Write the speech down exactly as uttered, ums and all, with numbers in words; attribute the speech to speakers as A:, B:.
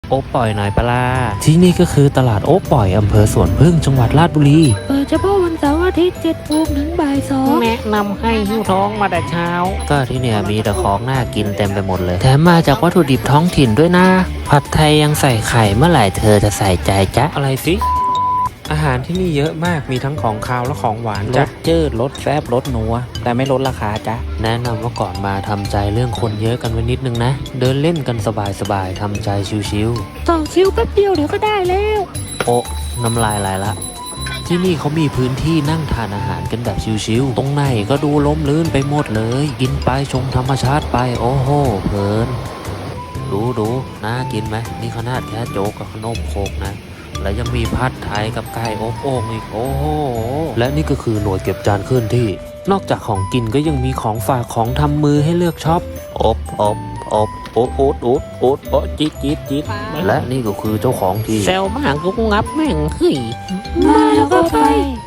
A: โอ๊ปล่อยหน่อยปะล่ะที่นี่ก็คือตลาดโอ๊ปล่อยอำเภอสวนพึ่งจังหวัดราชบุรี
B: เปิดเฉพาะวันเสาร์อาทิตย์เจ็ดโมงถึงบ่ายสอง
C: แนะนำให้หิ้วท้องมาแต่เช้า
A: ก็ที่เนี่ยมีแต่ของน่ากินเต็มไปหมดเลยแถมมาจากวัตถุดิบท้องถิ่นด้วยนะผัดไทยยังใส่ไข่เมื่อไหร่เธอจะใส่ใจจ๊ะอะไรสิอาหารที่นี่เยอะมากมีทั้งของคาวและของหวานจ้ะ
C: รสจืดรสแซ่บรสนัวแต่ไม่ลดราคาจ้ะ
A: แนะนำว่าก่อนมาทำใจเรื่องคนเยอะกันไว้นิดนึงนะเดินเล่นกันสบายๆทำใจชิวๆ
B: ต่อคิวแป๊บเดียวเดี๋ยวก็ได้แล้ว
A: โอ๊ะน้ำลายไหลละที่นี่เขามีพื้นที่นั่งทานอาหารกันแบบชิวๆตรงไหนก็ดูล้มลื่นไปหมดเลยกินไปชมธรรมชาติไปโอ้โหเพลินดูดูน่ากินไหมนี่ขนาดแค่โจ๊กกับขนมโคกนะและยังมีผัดไทยกับไก่อบโอ่งอีกโอ้โหและนี่ก็คือหน่วยเก็บจานเคลื่อนที่นอกจากของกินก็ยังมีของฝากของทำมือให้เลือกช็อปอบอบอบโอ๊ตโอ๊ตโอ๊ตโอ๊ตโอ๊ตจิ๊ดจิ๊ดจิ๊ดและนี่ก็คือเจ้าของที่
C: เซลมากกูงับแม่งเฮ้ย
B: มาแล้วก็ไป